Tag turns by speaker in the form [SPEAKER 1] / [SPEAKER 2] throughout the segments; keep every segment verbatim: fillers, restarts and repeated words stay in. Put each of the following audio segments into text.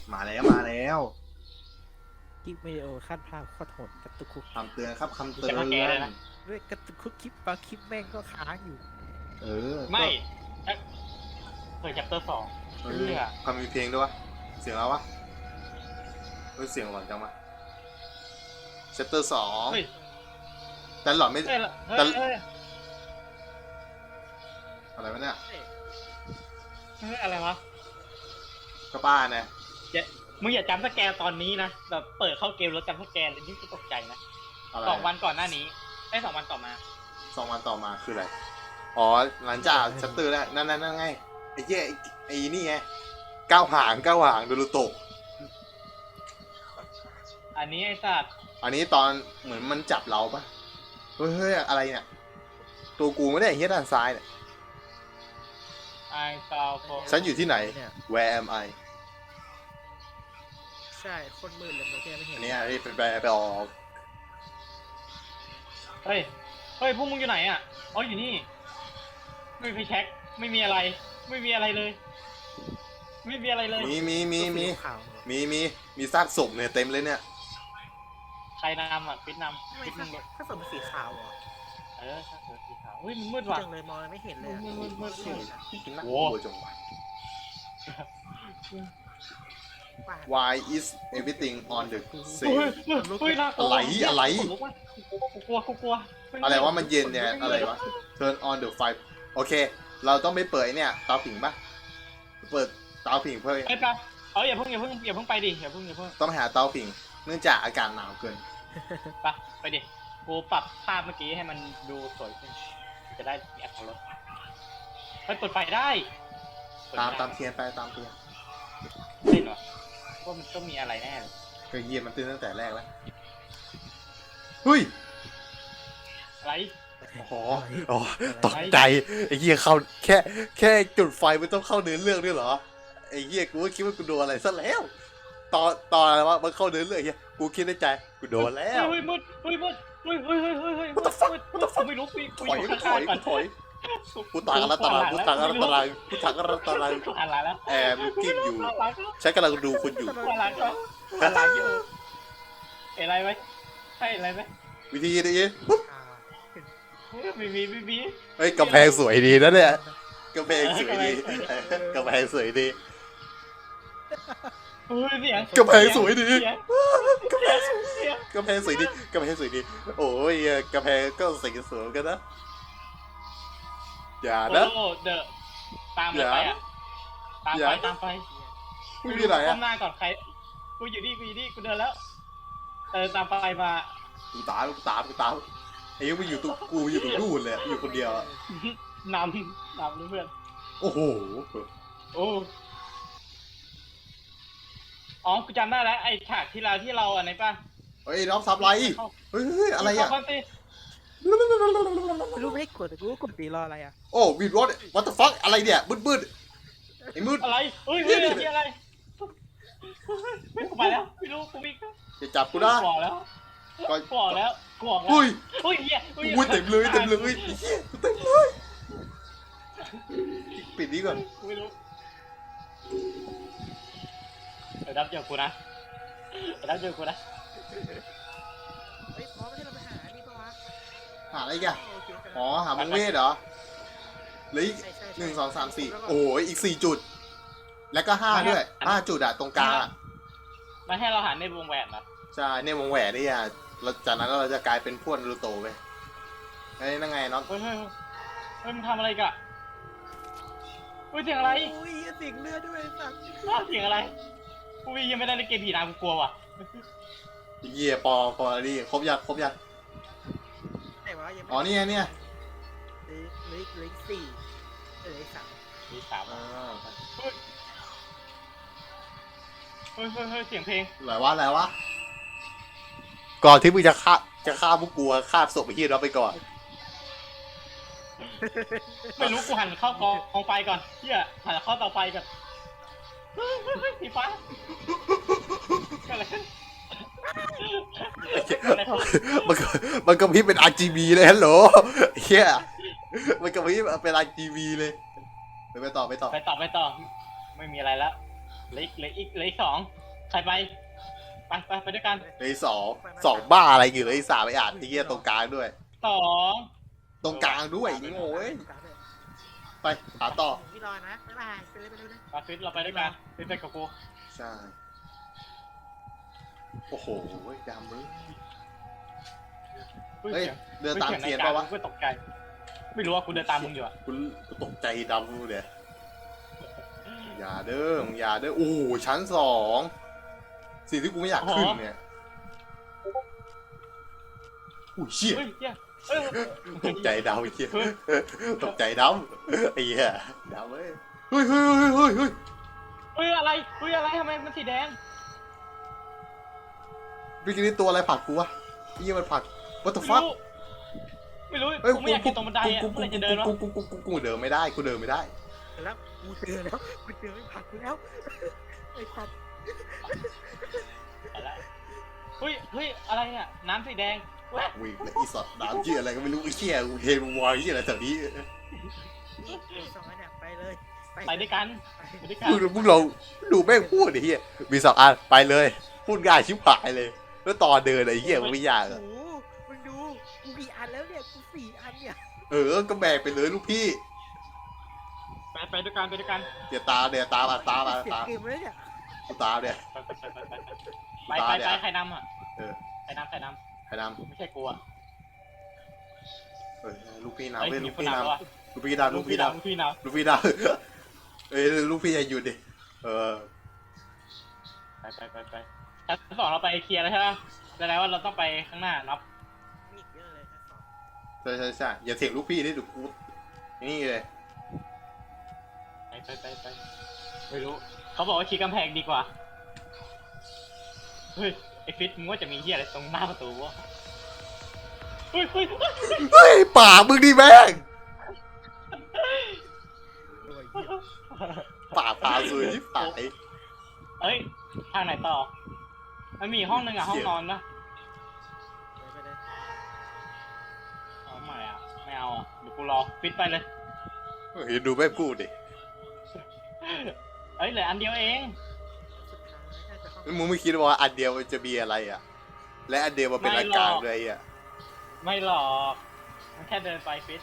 [SPEAKER 1] มาแล้วมาแล้ว
[SPEAKER 2] คลิปวิดีโอขั้นภาพโคตรโหดกระตุกคุก
[SPEAKER 1] คำเตือนครับคำเตือน
[SPEAKER 2] ด้วยกระตุกคุกคลิปบางคลิปแม่งก็ค้างอยู่
[SPEAKER 1] เออ
[SPEAKER 3] ไม่เคยจับเตอร์สอง
[SPEAKER 1] เออคำมีเพลงด้วยวะเสียงอะไรวะเฮ้ยเสียงหลอนจังวะเชปเตอร์สองแต่หลอนไม่แต่อะไรวะเนี่ย
[SPEAKER 3] อะไรวะ
[SPEAKER 1] ก็ป้าเนี่ย
[SPEAKER 3] มึงอย่าจำสแกนตอนนี้นะแบบเปิดเข้าเกมแล้วจำสแกนเลยนี่ก็ตกใจนะสองวันก่อนหน้านี้ไอ้สองวันต่อมา
[SPEAKER 1] สองวันต่อมาคืออะไรอ๋อหลังจากชัตเตอร์แล้วนั่นนั่นนั่นไงไอ้เหี้ยไอ้นี่ไงก้าวหางก้าวหางโดรุโตะ
[SPEAKER 3] อันนี้ไอ้สัตว์
[SPEAKER 1] อันนี้ตอนเหมือนมันจับเราปะเฮ้ยเฮ้ยอะไรเนี่ยตัวกูไม่ได้เฮียด้านซ้ายเนี่ย
[SPEAKER 3] ไอ้ซาวโฟ
[SPEAKER 1] ฉันอยู่ที่ไหน Where am I
[SPEAKER 2] ใช่คนมืดเลยมันแค่ไม่เห็น
[SPEAKER 1] อันนี้ไอ้เป็นไปไปออก
[SPEAKER 3] เฮ้ยเฮ้ยพวกมึงอยู่ไหนอ่ะอ๋ออยู่นี่ไม่ไปเช็คไม่มีอะไรไม่มีอะไรเลยไม่มีอะไรเลย
[SPEAKER 1] มีมีมีมีมีมีมีซากศพเนี่ยเต็มเลยเนี่ย
[SPEAKER 3] ใครนำอ่ะปิดนำ
[SPEAKER 2] ปิดนำถ้าศพมันสีขาวเหรอ
[SPEAKER 3] เออซากศพสีขาวเฮ้ยมันมืดว่ะ
[SPEAKER 2] จังเลยมองไม่เห็นเลย
[SPEAKER 3] มืดมืดมืด
[SPEAKER 1] โอ้โหจง Why is everything on the same อะไรอะไร
[SPEAKER 3] กูกลัวกูกลัว
[SPEAKER 1] อะไรว่ามันเย็นเนี่ยอะไรวะ Turn on the fire โอเคเราต้องไม่เปิดเนี่ยเตาผิงปะเปิดเตาผิงเพื่อ
[SPEAKER 3] ไปไปเอาอย่าเพิ่งอย่าเพิ่งอย่าเพิ่งไปดิอย่าเพิ่งอย่าเพิ่ง
[SPEAKER 1] ต้องหาเตาผิงเนื่องจากอากาศหนาวเกิน
[SPEAKER 3] ไปไปดิกูปรับภาพเมื่อกี้ให้มันดูสวยขึ้นจะได้มีอรรถรสไปเปิดไฟได้
[SPEAKER 1] ตามตามเทียนไปตามเทียน
[SPEAKER 3] เล่นวะว่ามันต้องมีอะไรแน่เลย
[SPEAKER 1] ก็เยี่ยมมันตื่นตั้งแต่แรกแล้วเฮ้ย
[SPEAKER 3] อะไร
[SPEAKER 1] อ๋ออ๋อตกใจไอ้เหี้ยเข้าแค่แค่จุดไฟมันต้องเข้าเนื้อเรื่องด้วยเหรอไอ้เหี้ยกูก็คิดว่ากูโดนอะไรซะแล้วตอนตอนอะไรวะมันเข้าเนื้อเรื่องเหี้ยกูคิดในใจกูโดนแล้ว
[SPEAKER 3] เฮ้ยมืดเฮ้ยมืดเฮ้ยเฮ้ยเฮ้ยเฮ้ยเฮ้ย
[SPEAKER 1] what the fuck what the fuck
[SPEAKER 3] ไม่รู้กู
[SPEAKER 1] ถอยถอยถอยกูตายกันละตารางกูตายกันละตารางกูตายกันละตาราง
[SPEAKER 3] อะไรแล้ว
[SPEAKER 1] แอบกิ้งอยู่ฉันกำลังดูคุณอยู่
[SPEAKER 3] อะไรก็อะไรอยู่อะไรไหมใช่อะไรไหม
[SPEAKER 1] วิธีนี้ปุ๊บ
[SPEAKER 3] มีมีมีมี
[SPEAKER 1] เฮ้ยกำแพงสวยดีนะเนี่ยกำแพงสวยดีกำแพงสวยดี
[SPEAKER 3] เฮ้ยเสียง
[SPEAKER 1] กำแพงสวยดีกำแพงสวยกำแพงสวยดีกำแพงสวยดีโอ้ยกำแพงก็สีสวยกันนะอย่านะ
[SPEAKER 3] โอ้เดอะตามไปอ่ะตามไปตามไป
[SPEAKER 1] กูอยู่ไหนอ่ะ
[SPEAKER 3] ก้มหน้าก่อนใครกูอยู่นี่กูอยู่นี่กูเดินแล้วเดินตามไปมา
[SPEAKER 1] กูตามกูตามกูตามไอ้ยังไม่อยู่ตัวกูอยู่ตรงนู่นเลยอยู่คนเดียวน
[SPEAKER 3] ำนำเพื่อน
[SPEAKER 1] โอ้โห
[SPEAKER 3] โอ้อ๋อกูจำได้แล้วไอ้ฉากที่เราที่เราอันไหนป่ะ
[SPEAKER 1] เฮ้ยน้องซับไรเฮ้ยอะไรอ่ะ
[SPEAKER 2] ไม่รู้ไม่ให้กดแต่กูก็กดตีรออะไรอ่ะ
[SPEAKER 1] โอ้วีดรถ what the fuck อะไรเนี่ยมืดมืดไอ้มืด
[SPEAKER 3] อะไรเฮ้ยเฮ้ยอะไรกูไปแล้วไม่รู้กูวิ่ง
[SPEAKER 1] จะจับกูได้
[SPEAKER 3] ก่อแล้วก่อแล้วก่อแล้ว
[SPEAKER 1] อุ้ย
[SPEAKER 3] อุ้ยเฮีย
[SPEAKER 1] อุ้ยเต็มเลยเต็มเลยเฮียเต็มเลยปิดนี้ก่อน
[SPEAKER 3] ไม่รู้เดี๋ยวดับเจอกูนะเดี๋ยวดับเจอกูนะ
[SPEAKER 2] เฮ้ยพร้อมให้เราไปหานี่ปะวะ
[SPEAKER 1] หาอะไรกันอ๋อหามังเวทเหรอหรือหนึ่งสองสามสี่โอ้ยอีกสี่จุดแล้วก็ห้าด้วยห้าจุดอะตรงกลาง
[SPEAKER 3] มาให้เราหาในวงแหวนนะ
[SPEAKER 1] ใช่ในวงแหวนนี่อ่ะเราจากนั้นเราจะกลายเป็นพวกนารูโตะไปไอ้นั่งไงน้อง
[SPEAKER 3] เฮ้ยเฮ้ยเฮ้ยมึงทำอะไรกันเฮ้ยเสียงอะไร
[SPEAKER 2] โอ้ยเสียงเลือดด้วยสัตว์
[SPEAKER 3] เสียงอะไรกูยังไม่ได้เล่นเกมผีนะกูกลัวว่ะ
[SPEAKER 1] เยี่ยปอปอนี่ครบยังครบยังอ๋อนี่ไงเนี่ย
[SPEAKER 2] เลขเลขสี่เลขสาม
[SPEAKER 3] เลขสามเฮ้ยเฮ้ยเฮ้ยเสียงเพลง
[SPEAKER 1] อะไรวะอะไรวะก่อนที่มึงจะฆ่าจะฆ่าพวกกูฆ่าศพไปที่เราไปก่อน
[SPEAKER 3] ไม่รู้กูหันเข้ากองกองไฟก่อนเฮียหันเข้าเตาไฟก่อนสีฟ้าอะไร
[SPEAKER 1] มันก็มันก็พี่เป็น อาร์ จี บี เลยฮัลโหลเฮียมันก็พี่เป็น อาร์ จี บี เลยไปไปต่อไปต่อ
[SPEAKER 3] ไปต่อไปต่อไม่มีอะไรแล้วเหลืออีกเหลืออีกเหลืออีกสองใครไปไปไปไปด้วยกัน
[SPEAKER 1] เลยสองสองบ้าอะไรอยู่เลยสามไปอ่านไอ้เหี้ยตรงกลางด้วย
[SPEAKER 3] สอง
[SPEAKER 1] ตรงกลางด้วยโง่เอ้ยไปหาต่อ
[SPEAKER 2] พี่รอนะบ๊ายบายไปเลยไปเลยไปเลย
[SPEAKER 3] มาฟิตเราไปด้วยกันฟิตไปกับกู
[SPEAKER 1] ใช่โอ้โหดำเลย
[SPEAKER 3] เฮ้ย
[SPEAKER 1] เฮ้ย
[SPEAKER 3] เสียง
[SPEAKER 1] เดินตามเทียนปะวะ
[SPEAKER 3] กูตกใจไม่รู้ว่ากูเดินตามมึงอยู่อะ
[SPEAKER 1] กูกูตกใจดำกูเนี่ยอย่าเด้อมึงอย่าเด้อโอ้โหชั้นสองสิ่งที่กูไม่อยากขึ้นเนี่ยอุ้ยเชี่ย
[SPEAKER 3] เฮ้ยเหี้ยเฮ้ย
[SPEAKER 1] ตกใจดำไอ้เหี้ยตกใจดำไอ้เหี้ยดำเว้ยเฮ้ยเฮ้ยเฮ้ยเฮ้ยเฮ้ย
[SPEAKER 3] เฮ้ยอะไรเฮ้ยอะไรทำไมมันสีแดง
[SPEAKER 1] วิกินี่ตัวอะไรผลักกูวะไอ้เหี้ยมันผลัก what the
[SPEAKER 3] ไม่
[SPEAKER 1] fuck
[SPEAKER 3] รู้ไม่รู้
[SPEAKER 1] เฮ้ย
[SPEAKER 3] กูไม่อยากกินตรงบันไดอะ
[SPEAKER 1] กู
[SPEAKER 3] เมื่อไหร่จะเดินวะ
[SPEAKER 1] กูกูกูกูกูเดินไม่ได้กูเดินไม่ได้
[SPEAKER 2] แล้วกูเจอแล้วกูเจอไม่ผักกูแล้วไอ้สัตว์
[SPEAKER 3] ไปละเฮ้ยเฮ้ยอะไรเนี่ยน้ำสีแดงแวะ
[SPEAKER 1] วิ่งเลยอีสัตว์น้ำเชี่ยอะไรก็ไม่รู้ไอ้เชี่ยกูเห็นมึงวางเชี่ยอะไรแถวนี้
[SPEAKER 2] สองอันเนี่ยไปเลย
[SPEAKER 3] ไปด้วยกันไปด้วยกัน
[SPEAKER 1] มึงมึงลองดูแม่งพูดไอ้เหี้ยมีสองอันไปเลยพูดง่ายชิบหายเลย แล้วตอนเดินไอ้เหี้ยมันไม่ยาก
[SPEAKER 2] โอ้
[SPEAKER 1] อะ
[SPEAKER 2] โหมึงดูกูกี่อันแล้วเนี่ยกูสี่อันเนี่ย
[SPEAKER 1] เออก็แบกไปเลยลูกพี่
[SPEAKER 3] ไปไปด้วยกันไปด้วยกัน
[SPEAKER 1] เดี๋ยวตามเดี๋ยวตามมาตามมา
[SPEAKER 2] เสีย
[SPEAKER 1] ตาม
[SPEAKER 2] เกมเลยเนี่ย
[SPEAKER 1] กูตามเนี่ย
[SPEAKER 3] ไปไปไปไปไปไปไปใครนำอ่ะ
[SPEAKER 1] เออ
[SPEAKER 3] ใครนำใครน
[SPEAKER 1] ใครน
[SPEAKER 3] ำไม่ใช่กูอ่ะ
[SPEAKER 1] ำเออลูกพี่
[SPEAKER 3] เฮ้ย
[SPEAKER 1] นำเว้ย
[SPEAKER 3] มี
[SPEAKER 1] ลูก
[SPEAKER 3] คน
[SPEAKER 1] พี่
[SPEAKER 3] นำแล้ว
[SPEAKER 1] นำ
[SPEAKER 3] อ่ะ
[SPEAKER 1] ลูกพี่นำ
[SPEAKER 3] ลู
[SPEAKER 1] ลู
[SPEAKER 3] ก
[SPEAKER 1] ก
[SPEAKER 3] พี่
[SPEAKER 1] พี่น
[SPEAKER 3] นำลูกพี่น
[SPEAKER 1] ำลูกพี่นำเอ้ยลูกพี่อย่าหยุดดิเออ
[SPEAKER 3] ำไปไปไปไปชั้นสองเราไปเคลียร์แล้วใช่ไหมแสดงว่าเราต้องไปข้างหน้านับ
[SPEAKER 2] มีอีกเยอะเลยนะสอง
[SPEAKER 1] ใช่ใช่ใช่อย่าเถียงลูกพี่นี่ดูกูนี่เลย
[SPEAKER 3] ไปไปไปไปไม่รู้เขาบอกว่าชี้กำแพงดีกว่าเฮ้ยไอฟิตมึงว่าจะมีเหี้ยอะไรตรงหน้าประตูวะเฮ้ยเฮ้ยเฮ้ย
[SPEAKER 1] เฮ้ยป่ากมึงดิแม่ง
[SPEAKER 2] โอ้ยเหี้ย
[SPEAKER 1] ป่ากพาสวยที่ผาย
[SPEAKER 3] เอ้ยทางไหนต่อมันมีอีกห้องนึงอ่ะห้องนอนปะ
[SPEAKER 2] ไปเลย
[SPEAKER 3] เอาไม่อ่ะไม่เอาอ่ะเดี๋ยวกูรอฟิตไปเลย
[SPEAKER 1] เฮ้ยดูแม่งพูดดิ
[SPEAKER 3] เอ้ยเหลืออันเดียวเอง
[SPEAKER 2] สุดท้ายน่าจะห้อง
[SPEAKER 1] มึงไม่คิดว่าอันเดียวมันจะมีอะไรอ่ะ และอันเดียวมันเป็นอาการอะไรอ่ะ
[SPEAKER 3] ไม่หรอกมันแค่เดินไปฟิต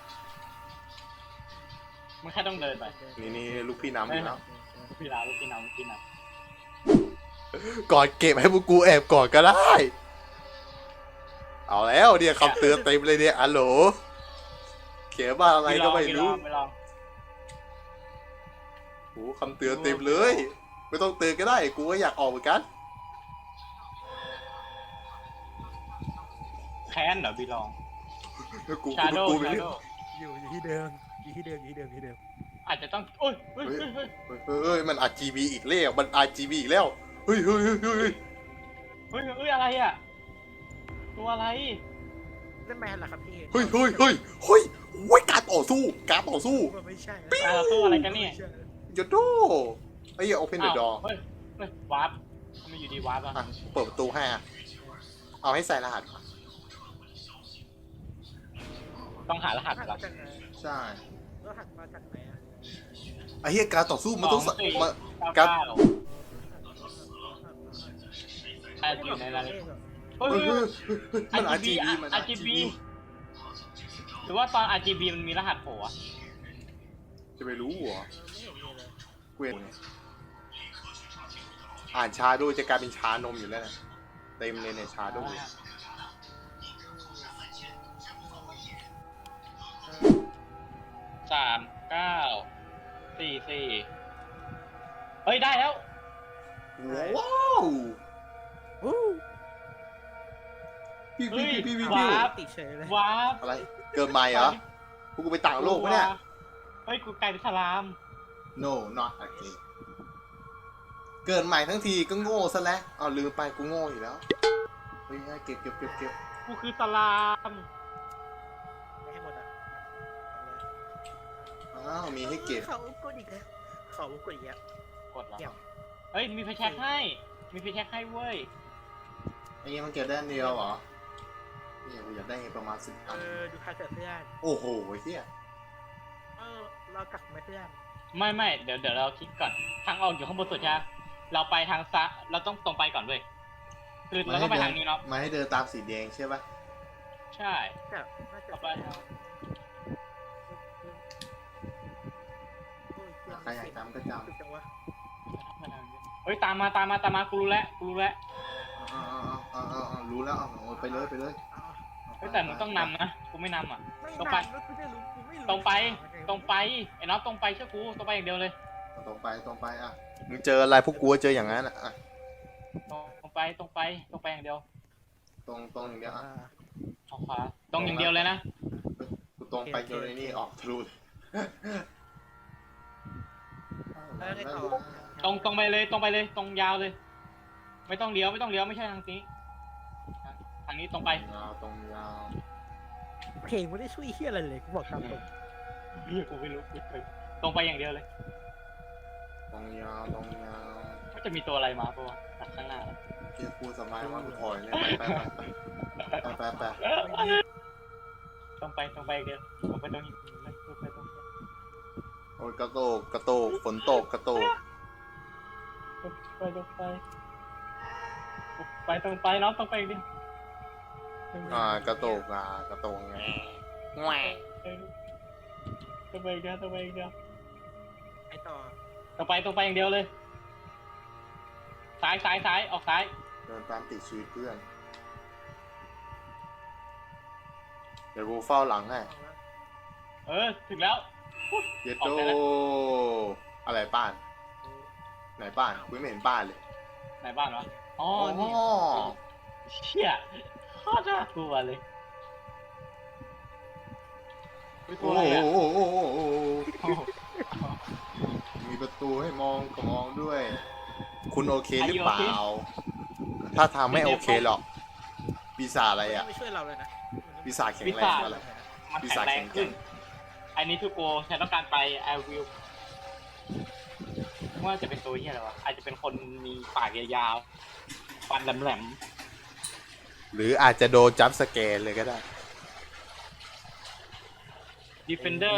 [SPEAKER 3] มันแค่ต้องเดินไป
[SPEAKER 1] นี่นี่ลูกพี่น้ำอยู่แล้ว
[SPEAKER 3] ลูกพี่ลาลูกพี่น้ำลูกพี่น้
[SPEAKER 1] ก่อนเก็บให้พวกกูแอบก่อนก็ได้ เอาแล้วเนี่ยคำเตือนเต็มเลยเนี่ยอัลโหลเขียนว่า
[SPEAKER 3] ำ
[SPEAKER 1] อะไรก็ไม่รู้
[SPEAKER 3] ไม่ลอง
[SPEAKER 1] โอ้คำเตือนเต็มเลย ไม่ต้องเตือนก็ได้ กูก็อยากออกเหมือนกัน
[SPEAKER 3] แค้นเหรอพี่ลอง
[SPEAKER 1] กู
[SPEAKER 3] ชาโด
[SPEAKER 1] กู
[SPEAKER 3] ชา
[SPEAKER 1] ไม่
[SPEAKER 3] โด
[SPEAKER 2] อยู่อยู่ที่เดิมอยู่ที่เดิมอยู่ที่เดิมอยู่ที่เดิม
[SPEAKER 3] อาจจะต้องโอ้ยเฮ้ยเฮ้ยเฮ้ย
[SPEAKER 1] เฮ้ยเฮ้ยมัน อาร์ จี บี อีกแล้วมัน อาร์ จี บี อีกแล้วเฮ้ยเฮ้ยเฮ้ยเฮ้ย
[SPEAKER 3] เฮ้ยเฮ้ยอะไรอ่ะตัวอะไร
[SPEAKER 2] เล่นแมนเหรอครับพี่
[SPEAKER 1] เฮ้ยเฮ้ยเฮ้ยเฮ้ยเฮ้ยการต่อสู้การต่อสู้
[SPEAKER 2] ว่าไม่ใช่
[SPEAKER 3] อ่ะเราสู้อะไรกันเนี่ย
[SPEAKER 1] ยโดไอ้เหี้ย open the
[SPEAKER 3] อ้าว
[SPEAKER 1] door
[SPEAKER 3] เฮ้ยเฮ้ยวาร์ปทำไมอยู่ดีวาร์ปอ่ะ
[SPEAKER 1] อ่ะเปิดประตูให้อ่ะเอาให้ใส่รหัส
[SPEAKER 3] ต้องหารหัส
[SPEAKER 2] หัด
[SPEAKER 3] เหรอ
[SPEAKER 2] มาจากไหน
[SPEAKER 1] ใช่
[SPEAKER 2] แล้วหัดมาจากไหนอ่ะ
[SPEAKER 1] ไอ้เหี้ยการต่อสู้มันต้อง
[SPEAKER 3] สองสี่
[SPEAKER 1] มา
[SPEAKER 3] เก้า
[SPEAKER 1] การ
[SPEAKER 3] เก้าแอบอยู่ในนั้นเลยเฮ้ย
[SPEAKER 1] เฮ้ย
[SPEAKER 3] เฮ้
[SPEAKER 1] เฮ้
[SPEAKER 3] ย
[SPEAKER 1] ยเฮ้ยมัน อาร์ จี บี มัน
[SPEAKER 3] อาร์ จี บี หรือว่าตอน อาร์ จี บี มันมีรหัสโผล่อะ
[SPEAKER 1] จะไปรู้เหรอ
[SPEAKER 2] ไม่เห็นมีเลย
[SPEAKER 1] เว้นอ่านชาโดจะกลายเป็นชานมอยู่แล้วนะเต็มเลยเนี่ยชาโด
[SPEAKER 3] สามเก้าสี่สี่เฮ้ยได้แล้ว
[SPEAKER 1] ว้าว
[SPEAKER 2] วู้
[SPEAKER 1] พี่
[SPEAKER 3] เฮ้
[SPEAKER 1] พี่
[SPEAKER 3] ย
[SPEAKER 1] พี่พี่
[SPEAKER 3] ว้า
[SPEAKER 1] พี่
[SPEAKER 3] บ
[SPEAKER 2] ติเฉยเลย
[SPEAKER 3] วาร์ป
[SPEAKER 1] อะไรเกินไปเหรอพวกกูไปต่างโลกปะเนี่ย
[SPEAKER 3] เฮ้ยกูกลายเป็นสลาม
[SPEAKER 1] no not again เกิดใหม่ทั้งทีก็โง่ซะแล้วเอาลืมไปกูโง่อยู่แล้วเฮ้ยเก็บเก็บเก็บเก็บ
[SPEAKER 3] กูคือสลาม
[SPEAKER 2] ไม่ให้หมดอ่ะ
[SPEAKER 1] อ้าวมีให้เก็บ
[SPEAKER 2] เขากดอีกแล้วเขากดอีกแล้ว
[SPEAKER 3] กดเหรอ
[SPEAKER 2] เดี๋ยว
[SPEAKER 3] เฮ้ยมีไฟแช็กให้มีไฟแช็กให้เว้ย
[SPEAKER 1] ไอ้เงี้ยมันเก็บได้อันเดียวเหรอเนี่ยกูอยากได้ประมาณสิบ
[SPEAKER 2] เอ
[SPEAKER 1] อัน
[SPEAKER 2] อดูคาเกิดเพื่อน
[SPEAKER 1] โอ้โหเฮีย
[SPEAKER 2] เออเรากลับมาเพื่อน
[SPEAKER 3] ไม่ไม่เดี๋ยวเดี๋ยวเราคิดก่อนทางออกอยู่ข้างบนสุดใช่ไหมเราไปทางซ้ายเราต้องตรงไปก่อนเว้ยคือเราก็ไปทางนี้เนาะ
[SPEAKER 1] มาให้เดินตามสีแดงใช่ปะ
[SPEAKER 3] ใช่
[SPEAKER 2] แต่น่าจะ
[SPEAKER 3] ต่อไป
[SPEAKER 1] ใครอยากจำก็จำ
[SPEAKER 2] จังวะ
[SPEAKER 3] เฮ้ยตามมาตามมาตามมากูรู้แล้วกูรู้แล้ว
[SPEAKER 1] อ่าอ่าอ่าอ่ารู้แล้วเอาไปเลยไปเลย
[SPEAKER 3] เฮ้ยแต่มึงต้องนำนะกูไม่นำอ่ะ
[SPEAKER 2] ไม่
[SPEAKER 3] ตรง
[SPEAKER 2] นาน
[SPEAKER 3] ไป
[SPEAKER 2] แล้วกูจะรู้กูไม่รู้
[SPEAKER 3] ตรงไปตรงไปไอ้น็อตตรงไปเชื่อกูตรงไปอย่างเดียวเลย
[SPEAKER 1] ตรงไปตรงไปอ่ะมึงเจออะไรพวกกูเจออย่างนั้นอ่ะ
[SPEAKER 3] ตรงไปตรงไปตรงไปอย่างเดียว
[SPEAKER 1] ตรงตรงอย่างเดียวอ่ะ
[SPEAKER 3] ออกขวาตรงอย่างเดียวเลยนะ
[SPEAKER 1] กูตรงไปจนไอ้นี่ออกทะลุ
[SPEAKER 2] แล้วไงต่อ
[SPEAKER 3] ตรงตรงไปเลยตรงไปเลยตรงยาวเลย ไม่ต้องเลี้ยวไม่ต้องเลี้ยวไม่ใช่ทางนี้ทางนี้ตรงไป
[SPEAKER 1] ยาวตรงยาว
[SPEAKER 2] เพลงไม่ได้ช่วยเฮียอะไรเลยกูบอกตามตรง
[SPEAKER 3] เฮ้ยกูไม่รู้กูเคยตรงไปอย่างเดียวเลย
[SPEAKER 1] ตรงยาวตรงยาว
[SPEAKER 3] ก็จะมีตัวอะไรมาปะวะจากข้างหน้า
[SPEAKER 1] เกียร์กูสบายว่ากูถอยเลยไปไปไปไปไป
[SPEAKER 3] ตรงไปตรงไปอย่างเดียวตรงไปตรงนี้ตรงไปตรงไป
[SPEAKER 1] โอ้ยกระโตกกระโตกฝนตกกระโตก
[SPEAKER 3] ไปตรงไปไปตรงไปน้องตรงไปอย่างเดียว
[SPEAKER 1] อ่ากระโตกอ่ากระโตกแง่แง่
[SPEAKER 3] ตรงไปอย่างเดียวตรงไปอย่างเดียว
[SPEAKER 2] ไอต่อ
[SPEAKER 3] ตรงไปตรงไปอย่างเดียวเลยซ้ายซ้ายซ้ายออกซ้าย
[SPEAKER 1] เดินตามติดชีวิตเพื่อนเดี๋ยวกูเฝ้าหลังให้
[SPEAKER 3] เออถึงแล้ว
[SPEAKER 1] เย็ดโตอะไรบ้านไหนบ้านกูไม่เห็นบ้านเลย
[SPEAKER 3] ไหนบ้านวะอ๋อ
[SPEAKER 1] อ๋อ
[SPEAKER 3] นี่เชี่ยโคตรน่ากลัวเลยตั
[SPEAKER 1] โอ้
[SPEAKER 3] วอะไร
[SPEAKER 1] โห
[SPEAKER 3] อ่ะ
[SPEAKER 1] โอ้โหโอ้โห
[SPEAKER 3] โอ้โห
[SPEAKER 1] มีประตูให้มองก็มองด้วย คุณโอเคหรือเปล่า ถ้าทางไม่โอเคหรอกปีศาจอะไรอ่ะ
[SPEAKER 2] ไม่ช่วยเราเลยนะ
[SPEAKER 1] ปีศาจแข็งแรงอะไร
[SPEAKER 3] มัน
[SPEAKER 1] ปี
[SPEAKER 3] แข็
[SPEAKER 1] ศาจ
[SPEAKER 3] งแร
[SPEAKER 1] แข็
[SPEAKER 3] ง
[SPEAKER 1] งแก
[SPEAKER 3] ขึ้
[SPEAKER 1] ร่
[SPEAKER 3] น
[SPEAKER 1] ง
[SPEAKER 3] อันนี้ทุกโกฉันต้องการไป I will ว่าจะเป็นตัวเหียอะไรวะอาจจะเป็นคนมีปากยาวๆฟันแหลม
[SPEAKER 1] หรืออาจจะโดนจัมป์สแกนเลยก็ได้
[SPEAKER 3] ๆ Defender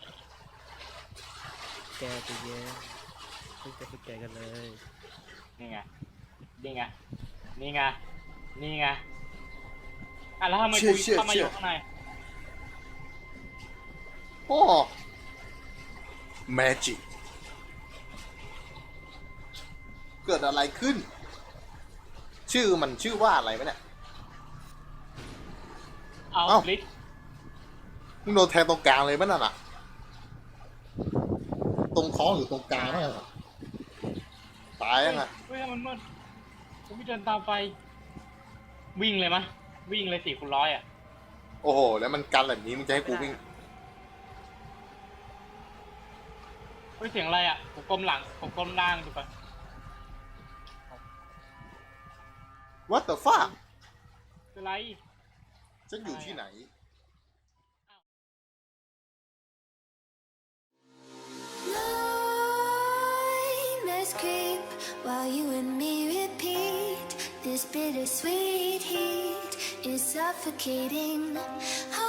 [SPEAKER 2] แกไปเย็นเพิ่งจะไปแกกันเลย
[SPEAKER 3] นี่ไง นี่ไง นี่ไง นี่ไง อ่ะแล้วทำไม
[SPEAKER 1] เชี่
[SPEAKER 3] กู
[SPEAKER 1] ยเชี่ย
[SPEAKER 3] เข้ามาอ
[SPEAKER 1] เชี่ย
[SPEAKER 3] ยู่ข้างใน
[SPEAKER 1] โอ้แมจิกเกิดอะไรขึ้น ชื่อมันชื่อว่าอะไรวะเนี่ย
[SPEAKER 3] เอา
[SPEAKER 1] เอ้า
[SPEAKER 3] ลิส
[SPEAKER 1] มึงโดนแทงตรงกลางเลยมั้ยน่ะ ตรงท้องหรือตรงกลางนั่นน่ะตายยังไง
[SPEAKER 3] เฮ้ยมันมืดผมไม่เดินตามไฟ วิ่งเลยมะ วิ่งเลยสี่คูณร้อยอ่ะ
[SPEAKER 1] โอ้โห แล้วมันกันแบบนี้มึงจะให้กูวิ่ง
[SPEAKER 3] เฮ้ยเสียงอะไรอ่ะผมก้มหลังผมก้มล่างดูก่อน
[SPEAKER 1] What the fuck
[SPEAKER 3] เป็นไร
[SPEAKER 1] ฉันอยู่ที่ไหน
[SPEAKER 4] Let's creep while you and me repeat. This bittersweet heat is suffocating.